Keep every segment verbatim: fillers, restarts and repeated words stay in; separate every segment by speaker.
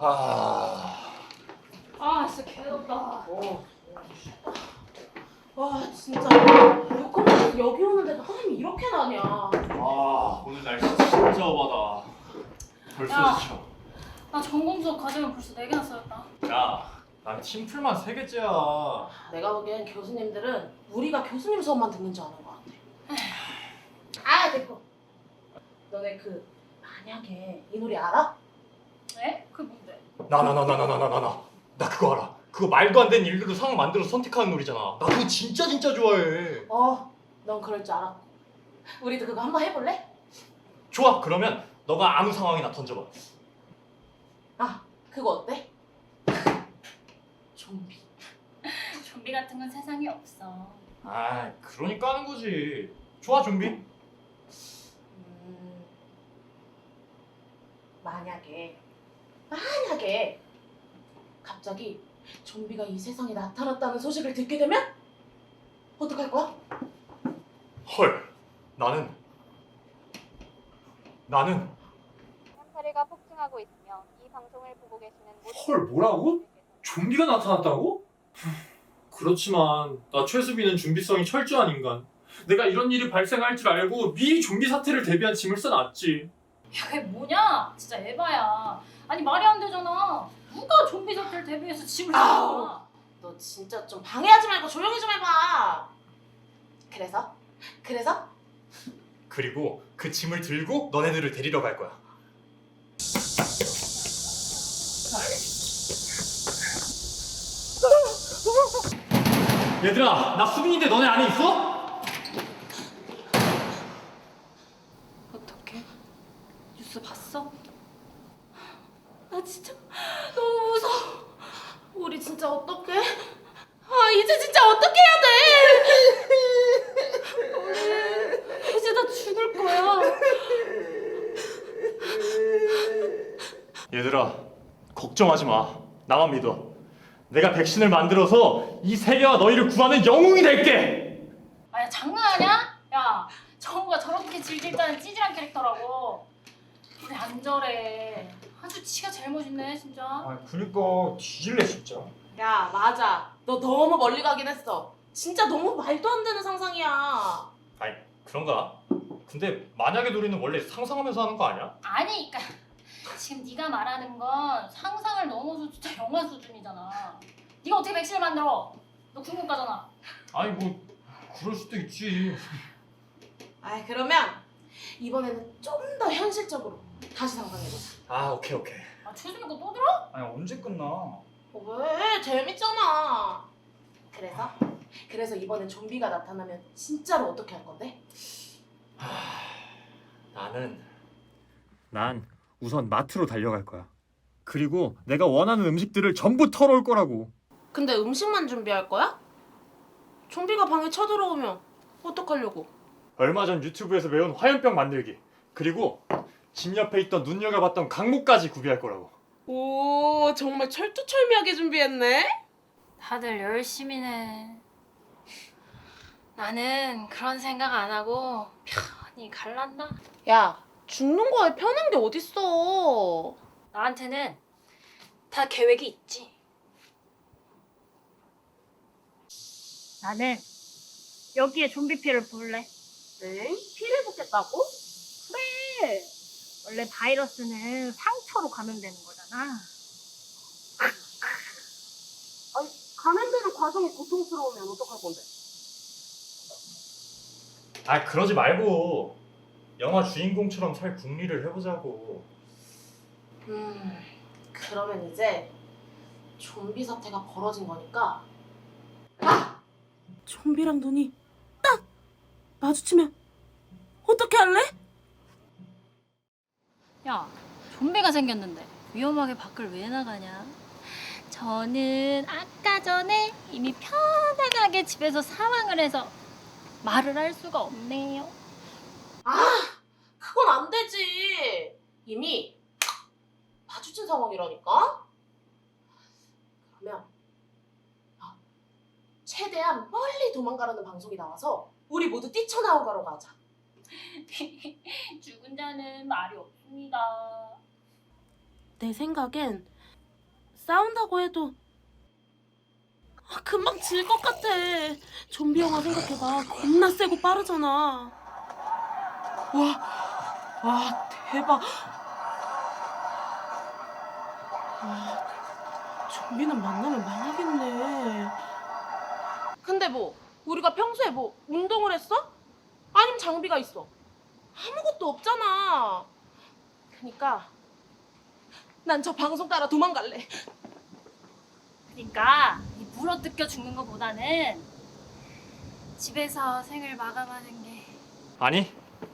Speaker 1: 아,
Speaker 2: 아 진짜 개덥다.
Speaker 1: 어.
Speaker 3: 와 진짜 육군에서 여기 오는데도 땀이 이렇게 나냐.
Speaker 1: 아, 오늘 날씨 진짜 험하다. 벌써
Speaker 2: 야.
Speaker 1: 지쳐.
Speaker 2: 나 전공 수업 과제만 벌써 네 개나 써였다.
Speaker 1: 야, 난 팀플만 세 개째야.
Speaker 3: 내가 보기엔 교수님들은 우리가 교수님 수업만 듣는지 아는 것 같아. 아 됐고. 너네 그 만약에 이 노래 알아?
Speaker 2: 에? 그게 뭔데?
Speaker 1: 나 나 나 나 나 나 나 나 나 나 그거 알아. 그거 말도 안 되는 일들로 상황 만들어서 선택하는 놀이잖아. 나 그거 진짜 진짜 좋아해.
Speaker 3: 어, 넌 그럴 줄 알았고. 우리도 그거 한번 해볼래?
Speaker 1: 좋아. 그러면 너가 아무 상황이나 던져봐.
Speaker 3: 아, 그거 어때? 좀비.
Speaker 2: 좀비 같은 건 세상에 없어.
Speaker 1: 아, 그러니까 하는 거지. 좋아, 좀비.
Speaker 3: 음, 만약에 만약에 갑자기 좀비가 이 세상에 나타났다는 소식을 듣게 되면 어떡할 거야?
Speaker 1: 헐. 나는 나는
Speaker 4: 햄파리가 폭증하고 있으며 이 방송을 보고 계시는 모든
Speaker 5: 헐, 뭐라고? 좀비가 나타났다고? 그렇지만 나 최수빈은 준비성이 철저한 인간. 내가 이런 일이 발생할 줄 알고 미리 좀비 사태를 대비한 짐을 써놨지.
Speaker 2: 야 그게 뭐냐? 진짜 에바야. 아니 말이 안 되잖아. 누가 좀비 사태를 대비해서 짐을
Speaker 3: 아우.
Speaker 2: 싸?
Speaker 3: 너 진짜 좀 방해하지 말고 조용히 좀 해봐. 그래서? 그래서?
Speaker 1: 그리고 그 짐을 들고 너네들을 데리러 갈 거야. 얘들아, 나 수빈인데 너네 안에 있어?
Speaker 2: 어떡해? 뉴스 봤어?
Speaker 3: 나 진짜 너무 무서워. 우리 진짜 어떡해? 아 이제 진짜 어떻게 해야 돼?
Speaker 2: 이제 나 죽을 거야.
Speaker 1: 얘들아, 걱정하지 마. 나만 믿어. 내가 백신을 만들어서 이 세계와 너희를 구하는 영웅이 될게.
Speaker 2: 아야 장난하냐? 야 정우가 저렇게 질질 짜는 찌질한 캐릭터라고. 우리 안 저래. 아주 지가 제일 멋있네 진짜.
Speaker 6: 아 그니까 뒤질래 진짜.
Speaker 3: 야 맞아. 너 너무 멀리 가긴 했어. 진짜 너무 말도 안 되는 상상이야.
Speaker 1: 아니, 그런가? 근데 만약에 우리는 원래 상상하면서 하는 거 아니야?
Speaker 2: 아니 그니까 지금 네가 말하는 건 상상을 넘어서 진짜 영화 수준이잖아. 네가 어떻게 백신을 만들어? 너 국문과잖아.
Speaker 1: 아니 뭐 그럴 수도 있지.
Speaker 3: 아 그러면 이번에는 좀 더 현실적으로 다시 상상해보자.
Speaker 1: 아, 오케이 오케이.
Speaker 2: 아 최수민 거 또 들어?
Speaker 6: 아니 언제 끝나?
Speaker 3: 어, 왜? 재밌잖아. 그래서? 그래서 이번엔 좀비가 나타나면 진짜로 어떻게 할 건데?
Speaker 1: 나는
Speaker 5: 난 우선 마트로 달려갈 거야. 그리고 내가 원하는 음식들을 전부 털어올 거라고.
Speaker 3: 근데 음식만 준비할 거야? 좀비가 방에 쳐들어오면 어떡하려고?
Speaker 1: 얼마 전 유튜브에서 배운 화염병 만들기. 그리고 집 옆에 있던 눈여겨봤던 강목까지 구비할 거라고.
Speaker 3: 오 정말 철두철미하게 준비했네?
Speaker 2: 다들 열심히네. 나는 그런 생각 안 하고 편히 갈란다.
Speaker 3: 야 죽는 거에 편한 게 어딨어.
Speaker 2: 나한테는 다 계획이 있지. 나는 여기에 좀비 피를 부을래.
Speaker 3: 응? 피를 붓겠다고?
Speaker 2: 그래. 원래 바이러스는 상처로 감염되는 거잖아.
Speaker 3: 아니 감염되는 과정이 고통스러우면 어떡할 건데?
Speaker 1: 아, 그러지 말고 영화 주인공처럼 살 궁리를 해보자고.
Speaker 3: 음 그러면 이제 좀비 사태가 벌어진 거니까 아! 좀비랑 눈이 딱 마주치면 어떻게 할래?
Speaker 2: 야, 좀비가 생겼는데 위험하게 밖을 왜 나가냐? 저는 아까 전에 이미 편안하게 집에서 사망을 해서 말을 할 수가 없네요.
Speaker 3: 아 그건 안 되지. 이미 마주친 상황이라니까. 그러면 아, 최대한 멀리 도망가라는 방송이 나와서 우리 모두 뛰쳐나오가라고 하자.
Speaker 2: 죽은 자는 말이 없습니다.
Speaker 3: 내 생각엔 싸운다고 해도 아, 금방 질 것 같아. 좀비 영화 생각해봐. 겁나 세고 빠르잖아. 와, 와 대박. 와, 좀비는 만나면 망하겠네. 근데 뭐 우리가 평소에 뭐 운동을 했어? 아니면 장비가 있어? 아무것도 없잖아. 그니까 난 저 방송 따라 도망갈래.
Speaker 2: 그러니까 이 물어뜯겨 죽는 것보다는 집에서 생을 마감하는 게.
Speaker 1: 아니,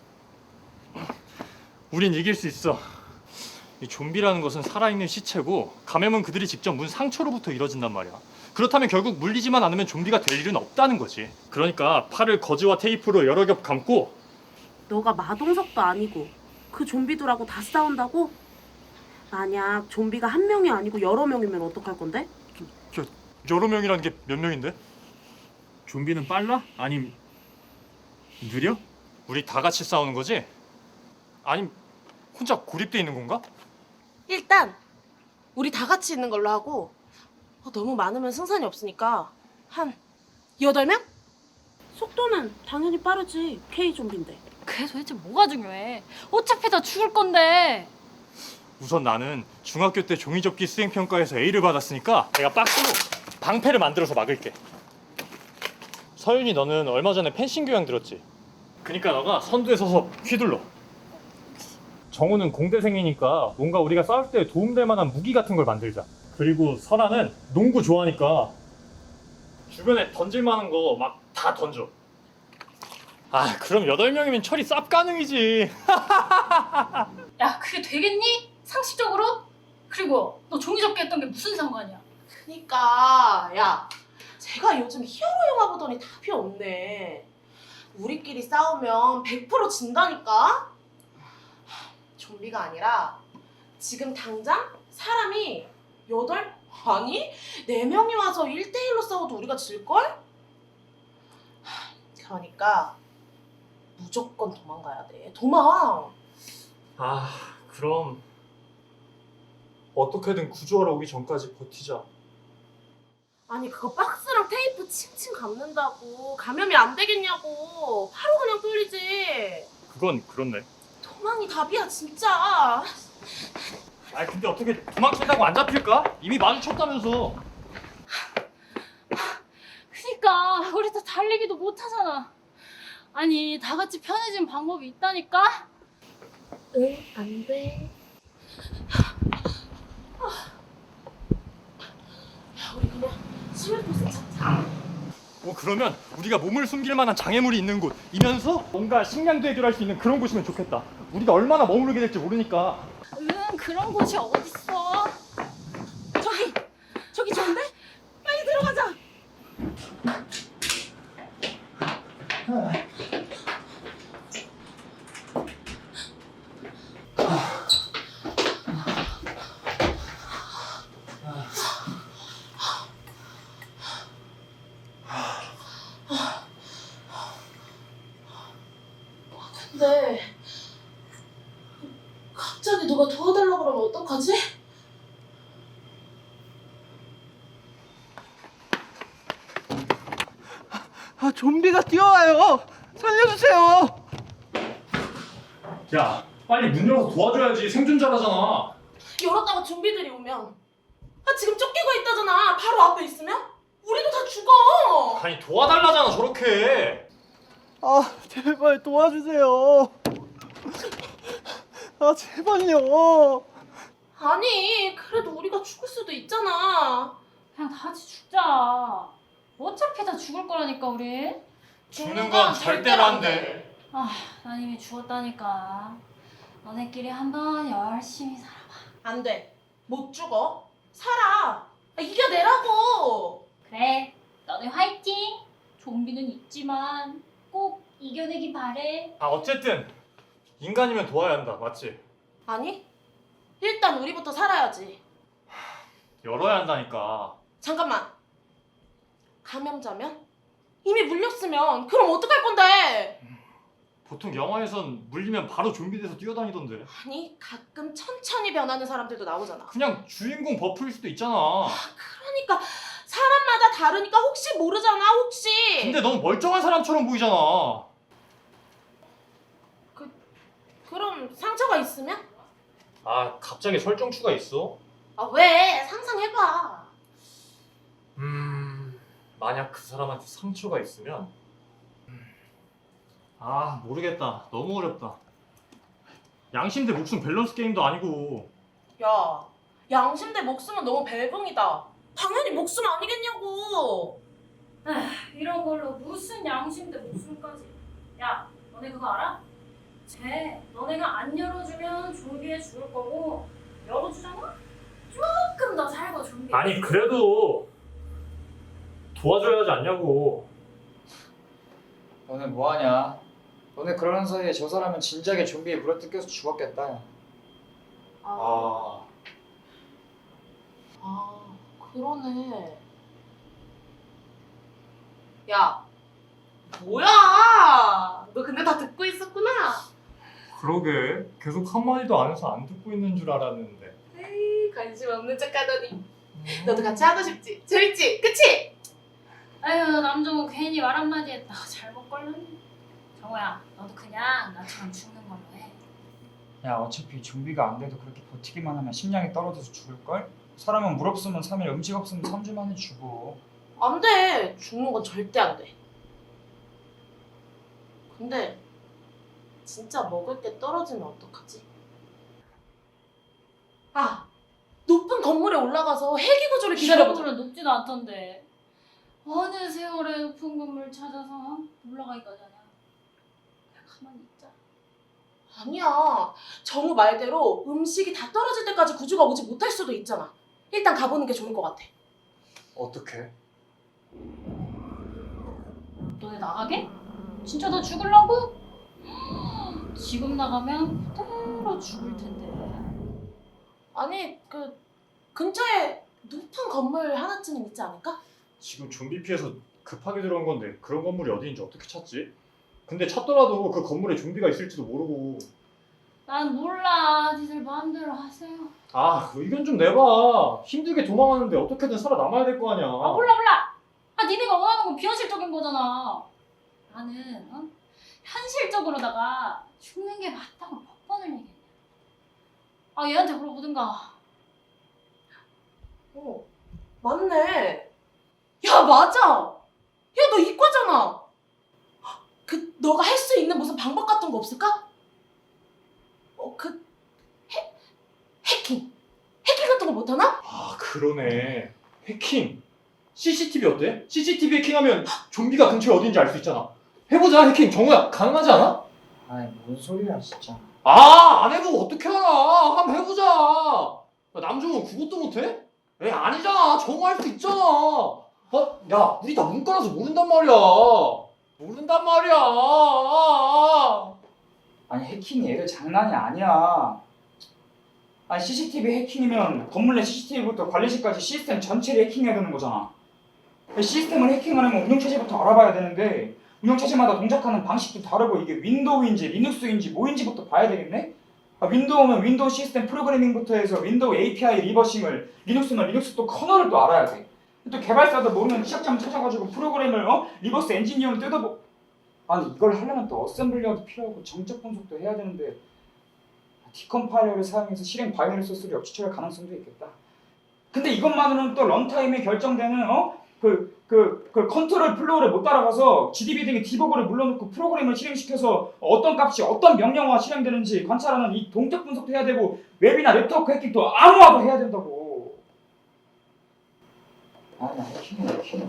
Speaker 1: 우린 이길 수 있어. 이 좀비라는 것은 살아있는 시체고 감염은 그들이 직접 문 상처로부터 이뤄진단 말이야. 그렇다면 결국 물리지만 않으면 좀비가 될 일은 없다는 거지. 그러니까 팔을 거즈와 테이프로 여러 겹 감고.
Speaker 3: 너가 마동석도 아니고 그 좀비들하고 다 싸운다고? 만약 좀비가 한 명이 아니고 여러 명이면 어떡할 건데?
Speaker 1: 저, 여러 명이라는 게 몇 명인데?
Speaker 5: 좀비는 빨라? 아님 느려?
Speaker 1: 우리 다 같이 싸우는 거지? 아님 혼자 고립돼 있는 건가?
Speaker 3: 일단 우리 다 같이 있는 걸로 하고 어, 너무 많으면 승산이 없으니까 한 여덟 명? 속도는 당연히 빠르지. K 좀비인데.
Speaker 2: 그게 도대체 뭐가 중요해? 어차피 다 죽을 건데.
Speaker 1: 우선 나는 중학교 때 종이접기 수행평가에서 A를 받았으니까 내가 박스로 방패를 만들어서 막을게. 서윤이 너는 얼마 전에 펜싱 교양 들었지? 그니까 너가 선두에 서서 휘둘러. 정우는 공대생이니까 뭔가 우리가 싸울 때 도움될 만한 무기 같은 걸 만들자. 그리고 설아는 농구 좋아하니까 주변에 던질 만한 거 막 다 던져. 아 그럼 여덟 명이면 처리 쌉 가능이지.
Speaker 2: 야, 그게 되겠니? 상식적으로? 그리고 너 종이접기 했던 게 무슨 상관이야?
Speaker 3: 그니까 야 제가 요즘 히어로 영화 보더니 답이 없네. 우리끼리 싸우면 백 퍼센트 진다니까? 좀비가 아니라 지금 당장 사람이 여덟? 아니 네 명이 와서 일 대일로 싸워도 우리가 질걸? 그러니까 무조건 도망가야 돼. 도망!
Speaker 1: 아 그럼 어떻게든 구조하러 오기 전까지 버티자.
Speaker 3: 아니 그거 박스랑 테이프 칭칭 감는다고 감염이 안 되겠냐고. 바로 그냥 뚫리지.
Speaker 1: 그건 그렇네.
Speaker 3: 도망이 답이야 진짜.
Speaker 1: 아 근데 어떻게 도망친다고 안 잡힐까? 이미 마주쳤다면서.
Speaker 2: 그니까 우리 다 달리기도 못하잖아. 아니 다 같이 편해진 방법이 있다니까?
Speaker 3: 응, 안 돼. 야, 우리 그냥 스웨트스 찾자.
Speaker 1: 뭐 그러면 우리가 몸을 숨길 만한 장애물이 있는 곳이면서 뭔가 식량도 해결할 수 있는 그런 곳이면 좋겠다. 우리가 얼마나 머무르게 될지 모르니까.
Speaker 2: 응, 그런 곳이 어딨어?
Speaker 3: 저기! 저기 좋은데? 빨리 들어가자! 근데 갑자기 누가 도와달라고 그러면 어떡하지?
Speaker 6: 아 좀비가 뛰어와요. 살려주세요.
Speaker 1: 야 빨리 문 열어서 도와줘야지. 생존자라잖아.
Speaker 3: 열었다가 좀비들이 오면 아 지금 쫓기고 있다잖아. 바로 앞에 있으면 우리도 다 죽어.
Speaker 1: 아니 도와달라잖아 저렇게.
Speaker 6: 아 제발 도와주세요. 아 제발요.
Speaker 3: 아니 그래도 우리가 죽을 수도 있잖아.
Speaker 2: 그냥 다 같이 죽자. 어차피 다 죽을 거라니까 우리.
Speaker 1: 죽는 건 절대로 안 돼.
Speaker 2: 아, 난 이미 죽었다니까. 너네끼리 한번 열심히 살아봐.
Speaker 3: 안 돼. 못 죽어. 살아. 아, 이겨내라고.
Speaker 2: 그래, 너네 화이팅! 좀비는 있지만 꼭 이겨내기 바래.
Speaker 1: 아 어쨌든 인간이면 도와야 한다. 맞지?
Speaker 3: 아니 일단 우리부터 살아야지.
Speaker 1: 열어야 한다니까.
Speaker 3: 잠깐만. 감염자면? 이미 물렸으면 그럼 어떡할 건데?
Speaker 1: 보통 영화에선 물리면 바로 좀비 돼서 뛰어다니던데.
Speaker 3: 아니 가끔 천천히 변하는 사람들도 나오잖아.
Speaker 1: 그냥 주인공 버프일 수도 있잖아.
Speaker 3: 그러니까 사람마다 다르니까 혹시 모르잖아 혹시.
Speaker 1: 근데 너무 멀쩡한 사람처럼 보이잖아.
Speaker 3: 그럼 상처가 있으면?
Speaker 1: 아, 갑자기 설정추가 있어?
Speaker 3: 아 왜? 상상해봐.
Speaker 1: 음... 만약 그 사람한테 상처가 있으면... 음, 아, 모르겠다. 너무 어렵다. 양심 대 목숨 밸런스 게임도 아니고.
Speaker 3: 야, 양심 대 목숨은 너무 벨붕이다. 당연히 목숨 아니겠냐고.
Speaker 2: 이런 걸로 무슨 양심 대 목숨까지. 야, 너네 그거 알아? 쟤 너네가 안 열어주면 좀비에 죽을 거고 열어주잖아? 조금 더 살고 좀비.
Speaker 1: 아니, 그래도 도와줘야 하지 않냐고.
Speaker 7: 너네 뭐하냐? 너네 그러는 사이에 저 사람은 진작에 좀비에 물어뜯겨서 죽었겠다. 야.
Speaker 3: 아, 아 그러네. 야, 뭐야? 너 근데 다 듣고 있었구나.
Speaker 1: 그러게. 계속 한마디도 안 해서 안 듣고 있는 줄 알았는데.
Speaker 3: 에이, 관심 없는 척하더니. 너도 같이 하고 싶지? 재밌지? 그치?
Speaker 2: 아유, 남정우 괜히 말 한마디 했다. 잘못 걸렸네. 정우야, 너도 그냥 나처럼 죽는 걸로 해.
Speaker 7: 야 어차피 좀비가 안 돼도 그렇게 버티기만 하면 심장이 떨어져서 죽을걸? 사람은 물 없으면 삼 일, 음식 없으면 삼 주 만에 죽어.
Speaker 3: 안 돼. 죽는 건 절대 안 돼. 근데 진짜 먹을 게 떨어지면 어떡하지? 아, 높은 건물에 올라가서 헬기 구조를 기다려보자.
Speaker 2: 기다려보면 높지도 않던데. 어느 세월에 높은 건물 찾아서 올라가기까지 하냐. 그냥 가만히 있자.
Speaker 3: 아니야. 정우 말대로 음식이 다 떨어질 때까지 구조가 오지 못할 수도 있잖아. 일단 가보는 게 좋을 것 같아.
Speaker 7: 어떡해?
Speaker 2: 너네 나가게? 진짜 너 죽을라고? 지금 나가면 그대로 죽을 텐데.
Speaker 3: 아니, 그 근처에 높은 건물 하나쯤은 있지 않을까?
Speaker 1: 지금 좀비 피해서 급하게 들어온 건데 그런 건물이 어디인지 어떻게 찾지? 근데 찾더라도 그 건물에 좀비가 있을지도 모르고.
Speaker 2: 난 몰라. 니들 마음대로 하세요.
Speaker 1: 아, 의견 좀 내봐. 힘들게 도망하는데 어떻게든 살아남아야 될 거 아니야.
Speaker 2: 아 몰라 몰라. 아 니네가 원하는 건 비현실적인 거잖아. 나는 어? 현실적으로다가 죽는 게 맞다고 몇 번을 얘기했냐. 아 얘한테 물어보든가.
Speaker 3: 어, 맞네. 야, 맞아. 야, 너 이과잖아. 그 너가 할 수 있는 무슨 방법 같은 거 없을까? 어, 그 해, 해킹. 해킹 같은 거 못하나?
Speaker 1: 아, 그러네. 해킹. 씨씨티비 어때? 씨씨티비 해킹하면 좀비가 근처에 어딘지 알 수 있잖아. 해보자, 해킹. 정우야, 가능하지 않아?
Speaker 7: 아이 뭔 소리야 진짜.
Speaker 1: 아, 안 해보고 어떻게 알아? 한번 해보자. 야, 남정우 그것도 못해? 에이, 아니잖아. 정우 할 수 있잖아. 어? 야, 우리 다 문과라서 모른단 말이야. 모른단 말이야.
Speaker 7: 아니 해킹이 애들 장난이 아니야. 아니 씨씨티비 해킹이면 건물 내 씨씨티비부터 관리실까지 시스템 전체를 해킹해야 되는 거잖아. 시스템을 해킹하려면 운영체제부터 알아봐야 되는데 운영체제마다 동작하는 방식도 다르고 이게 윈도우인지 리눅스인지 뭐인지부터 봐야 되겠네? 아, 윈도우면 윈도우 시스템 프로그래밍부터 해서 윈도우 에이피아이 리버싱을, 리눅스면 리눅스 또 커널을 또 알아야 돼. 또 개발사도 모르는 시작점 찾아가지고 프로그램을 어? 리버스 엔지니어를 뜯어보... 아니 이걸 하려면 또 어셈블리어도 필요하고 정적 분석도 해야 되는데 디컴파일러를 사용해서 실행 바이너리 소스를 역추출할 가능성도 있겠다. 근데 이것만으로는 또 런타임에 결정되는 어? 그, 그, 그 컨트롤 플로우를 못 따라가서 지디비 등의 디버그를 물러놓고 프로그램을 실행시켜서 어떤 값이 어떤 명령어가 실행되는지 관찰하는 이 동적 분석도 해야 되고 웹이나 네트워크 해킹도 암호화도 해야 된다고. 아, 나 해킹해, 해킹해.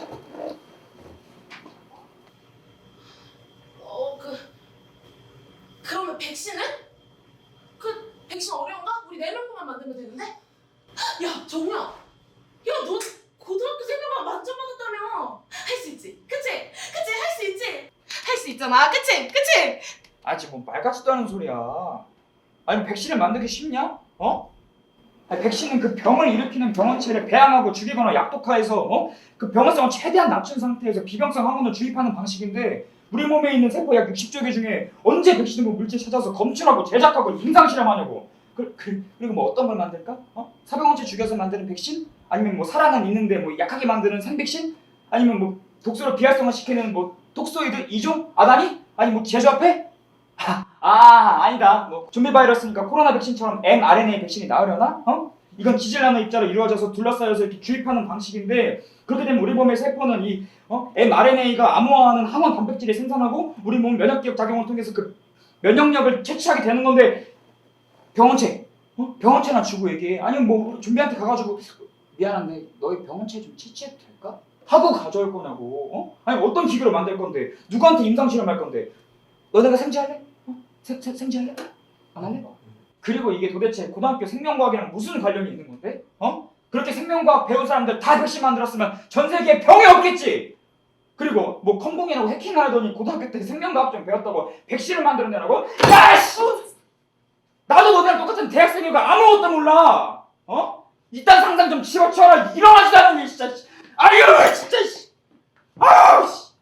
Speaker 3: 어, 그 그러면 백신은? 그 백신 어려운가? 우리 네 명만 만들면 되는데? 야, 정우야. 야, 너 고등학교 세 명만 만점 받았다며. 할 수 있지? 그치? 그치? 할 수 있지? 할 수 있잖아. 그치? 그치?
Speaker 7: 아직 뭐 말 같지도 않은 소리야. 아니 백신을 만들기 쉽냐? 어? 아니, 백신은 그 병을 일으키는 병원체를 배양하고 죽이거나 약독화해서 어? 그 병원성을 최대한 낮춘 상태에서 비병성 항원을 주입하는 방식인데 우리 몸에 있는 세포 약 육십조 개 중에 언제 백신을 뭐 물질 찾아서 검출하고 제작하고 임상 실험하냐고. 그, 그, 그리고 뭐 어떤 걸 만들까? 어? 사병원체 죽여서 만드는 백신? 아니면 뭐 살아는 있는데 뭐 약하게 만드는 생백신? 아니면 뭐 독소로 비활성화 시키는 뭐 독소이드 이종? 아다니? 아니 뭐 제조합해? 아, 아 아니다. 뭐 좀비 바이러스니까 코로나 백신처럼 엠알엔에이 백신이 나으려나? 어? 이건 기질나노 입자로 이루어져서 둘러싸여서 이렇게 주입하는 방식인데 그렇게 되면 우리 몸의 세포는 이 어? 엠알엔에이가 암호화하는 항원 단백질을 생산하고 우리 몸 면역기억 작용을 통해서 그 면역력을 채취하게 되는 건데 병원체, 어? 병원체나 주고 얘기해. 아니면 뭐 좀비한테 가가지고 미안한데 너희 병원체 좀 채취해도 될까? 하고 가져올 거냐고. 어? 아니 어떤 기계로 만들 건데 누구한테 임상 실험할 건데 너네가 생지할래? 어? 생, 생, 생지할래? 안 할래? 그리고 이게 도대체 고등학교 생명과학이랑 무슨 관련이 있는 건데? 어? 그렇게 생명과학 배운 사람들 다 백신 만들었으면 전 세계에 병이 없겠지! 그리고 뭐 컴공이라고 해킹하더니 고등학교 때 생명과학 좀 배웠다고 백신을 만들어내라고? 야씨! 나도 너네랑 똑같은 대학생이고 아무것도 몰라! 어? 이딴 상상 좀 집어치워라! 일어나지도 않으니 진짜! 아유 진짜! 아우 씨!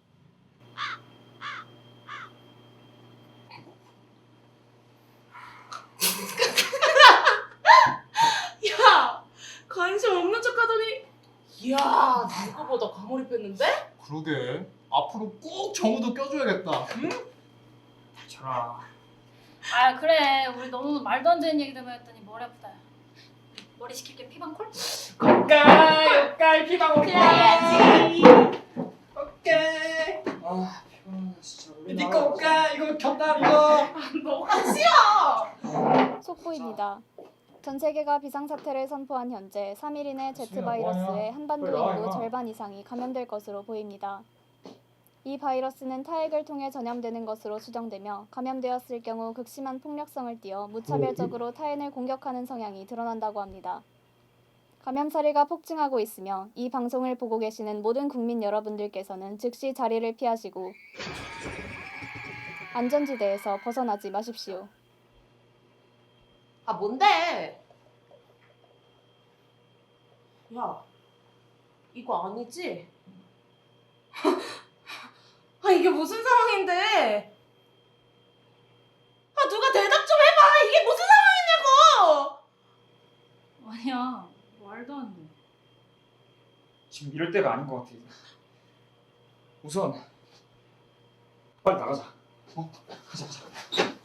Speaker 3: 야, 관심 없는 척하더니 이야, 누구보다 과몰입했는데?
Speaker 5: 그러게. 앞으로 꼭 정우도 껴줘야겠다. 응?
Speaker 7: 저라.
Speaker 2: 아 그래 우리 너무 말도 안 되는 얘기들만 했더니 머리 아프다. 머리 식힐게 피방콜?
Speaker 7: 오까이 오까이 피방 오까이.
Speaker 5: 오케이.
Speaker 7: 아 피곤하다 진짜.
Speaker 5: 니꺼 올까? 이거 겹다 이거.
Speaker 3: 너가 싫어!
Speaker 4: 속보입니다. 전 세계가 비상사태를 선포한 현재 삼 일 이내 제트
Speaker 7: 지금
Speaker 4: 바이러스에
Speaker 7: 뭐하냐?
Speaker 4: 한반도
Speaker 7: 빨리 나와,
Speaker 4: 인구
Speaker 7: 임마.
Speaker 4: 절반 이상이 감염될 것으로 보입니다. 이 바이러스는 타액을 통해 전염되는 것으로 추정되며 감염되었을 경우 극심한 폭력성을 띠어 무차별적으로 타인을 공격하는 성향이 드러난다고 합니다. 감염 사례가 폭증하고 있으며 이 방송을 보고 계시는 모든 국민 여러분들께서는 즉시 자리를 피하시고 안전지대에서 벗어나지 마십시오.
Speaker 3: 아, 뭔데? 야, 이거 아니지? 아, 이게 무슨 상황인데? 아, 누가 대답 좀 해봐! 이게 무슨 상황이냐고!
Speaker 2: 아니야 말도 안 돼.
Speaker 7: 지금 이럴 때가 아닌 것 같아. 우선 빨리 나가자. 어? 가자 가자.